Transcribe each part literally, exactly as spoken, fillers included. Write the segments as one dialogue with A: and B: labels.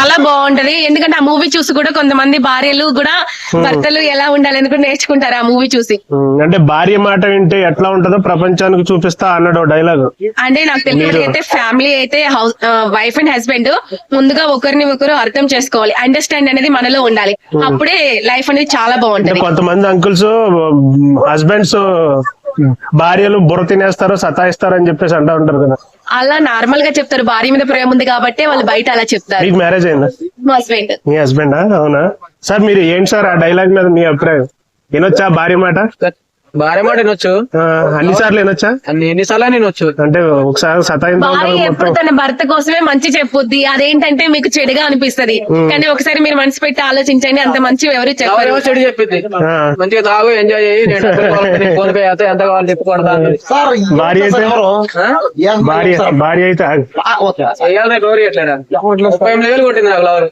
A: చాలా బాగుంటది. ఎందుకంటే ఆ మూవీ చూసి కూడా కొంతమంది భార్యలు కూడా భర్తలు ఎలా ఉండాలని కూడా నేర్చుకుంటారు ఆ మూవీ చూసి.
B: అంటే భార్య మాట వింటే ఎట్లా ఉంటుందో ప్రపంచానికి చూపిస్తా అన్నాడు డైలాగ్.
A: అంటే నాకు తెలియదు ఫ్యామిలీ అయితే హౌస్ వైఫ్ అండ్ హస్బెండ్ ముందుగా ఒకరిని ఒకరు అర్థం చేసుకోవాలి. అండర్స్టాండ్ అనేది మనలో ఉండాలి. అప్పుడే లైఫ్ అనేది చాలా బాగుంటది.
B: కొంతమంది అంకుల్స్ హస్బెండ్స్ భార్యలు బుర్ర తినేస్తారు సతాయిస్తారు అని చెప్పేసి అంటా ఉంటారు కదా.
A: అలా నార్మల్ గా చెప్తారు. భార్య మీద ప్రేమ ఉంది కాబట్టి వాళ్ళు బయట అలా చెప్తారు.
B: మీకు మ్యారేజ్ అయిందా?
A: మా హస్బెండ్.
B: మీ హస్బెండా? అవునా సార్. మీరు ఏంటి సార్ ఆ డైలాగ్ మీద మీ అభిప్రాయం? వినొచ్చా భార్య మాట?
C: భార్య మాట వినొచ్చు.
B: అన్ని సార్లు వినొచ్చా?
C: అన్ని ఎన్నిసార్లు వినొచ్చు.
B: అంటే ఒకసారి సతాయించడం
A: భార్య ఎప్పుడు తన భర్త కోసమే మంచి చెప్పుద్ది. అదేంటంటే మీకు చెడుగా అనిపిస్తది. కానీ ఒకసారి మీరు మనసు పెట్టి ఆలోచించండి, అంత మంచి ఎవరు చెప్పారు.
C: చెడు చెప్పింది మంచిగా తాగు ఎంజాయ్ చేయి, నేను ఫోన్ పే అయితే ఎంత కావాలి తిప్పుకుంటా.
B: భార్య అయితే భార్య భార్య అయితే
C: చేయాలి గౌరీ ఎట్లా ముప్పై ఎనిమిది వేలు కొట్టింది నాకు లవర్.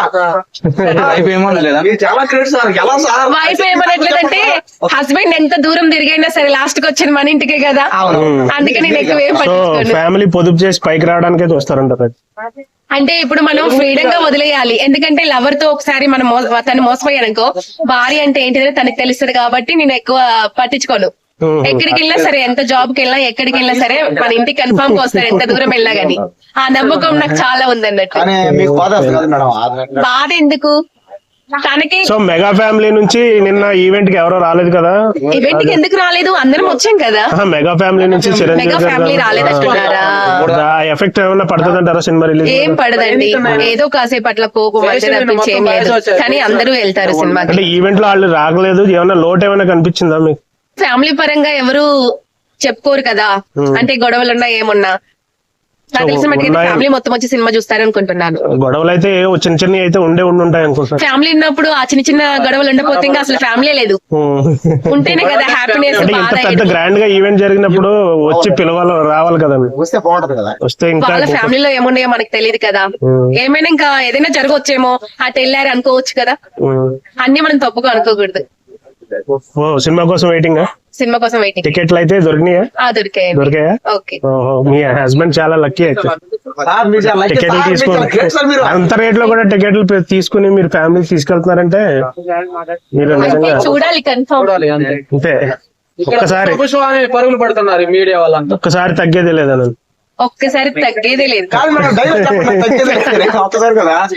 A: వైఫ్ ఏమనట్లేదంటే హస్బెండ్ ఎంత దూరం తిరిగైనా సరే లాస్ట్ కి వచ్చేది మన ఇంటికే కదా. అందుకే నేను ఎక్కువ ఏం పట్టించుకోను.
B: ఫ్యామిలీ పొదుపు చేసి పైకి రావడానికే చూస్తారంటారు.
A: అంటే ఇప్పుడు మనం ఫ్రీడమ్ గా వదిలేయాలి. ఎందుకంటే లవర్ తో ఒకసారి మనం తను మోసపోయానుకో భార్య అంటే ఏంటిదో తనకి తెలుస్తుంది కాబట్టి నేను ఎక్కువ పట్టించుకోను. ఎక్కడికి వెళ్ళినా సరే, ఎంత జాబ్ కి వెళ్ళినా ఎక్కడికి వెళ్ళినా సరే మన ఇంటికి కన్ఫర్మ్ గా వస్తారు ఎంత దూరం వెళ్ళినా గానీ. ఆ నమ్మకం నాకు చాలా ఉంది అన్నట్టు. బాధ ఎందుకు తనకి.
B: సో మెగా ఫ్యామిలీ నుంచి నిన్న ఈవెంట్ కి ఎవరో రాలేదు కదా.
A: ఈవెంట్ కి ఎందుకు రాలేదు? అందరం వచ్చాం కదా.
B: మెగా ఫ్యామిలీ నుంచి
A: మెగా ఫ్యామిలీ రాలేదంటున్నారా?
B: ఎఫెక్ట్ ఏమన్నా పడుతుంది అంటారా సినిమా రిలీజ్?
A: ఏం పడదండి, ఏదో కాసేపు అట్లా కోపం అంటే తప్పించి ఏం లేదు. కానీ అందరూ వెళ్తారు సినిమాకి.
B: అంటే ఈవెంట్ లో వాళ్ళు రాగలేదు, ఏమన్నా లోటు ఏమైనా కనిపించిందా మీకు?
A: ఫ్యామిలీ పరంగా ఎవరు చెప్పుకోరు కదా. అంటే గొడవలున్నా ఏమున్నా నాకు తెలిసిన మటుకు ఫ్యామిలీ మొత్తం వచ్చి సినిమా చూస్తారు అనుకుంటున్నాను.
B: గొడవలు అయితే చిన్న చిన్న అయితే ఉండే ఉండి ఉంటాయి అనుకుంటున్నాను.
A: ఫ్యామిలీ ఉన్నప్పుడు ఆ చిన్న చిన్న గొడవలు ఉండకపోతే ఇంకా అసలు ఫ్యామిలీ లేదు. ఉంటేనే కదా హ్యాపీనెస్.
B: పెద్ద గ్రాండ్ గా ఈవెంట్ జరిగినప్పుడు వచ్చి పిలవాలి రావాలి కదా. వస్తే బాగుంటది కదా. వస్తే ఇంకా
A: వాళ్ళ ఫ్యామిలీలో ఏమున్నాయో మనకు తెలియదు కదా. ఏమైనా ఇంకా ఏదైనా జరగవచ్చేమో, అటు వెళ్ళారు అనుకోవచ్చు కదా. అన్ని మనం తప్పుగా అనుకోకూడదు.
B: సినిమా కోసం వెయిటింగ్.
A: సినిమా కోసం వెయిటింగ్.
B: టికెట్లు అయితే దొరికినాయా?
A: దొరికాయి.
B: దొరికాయా?
A: ఓకే. మీ
B: హస్బెండ్ చాలా లక్కీ అయితే. టికెట్లు తీసుకుని అంత రేట్ లో కూడా టికెట్లు తీసుకుని మీరు ఫ్యామిలీ తీసుకెళ్తున్నారంటే మీరు
A: చూడాలి, కన్ఫర్మ్
B: అంతే. ఒక్కసారి
C: పరుగులు పడుతున్నారు మీడియా వాళ్ళంతా.
B: ఒక్కసారి తగ్గేది లేదా?
A: ఒక్కసారి తగ్గేదే లేదు.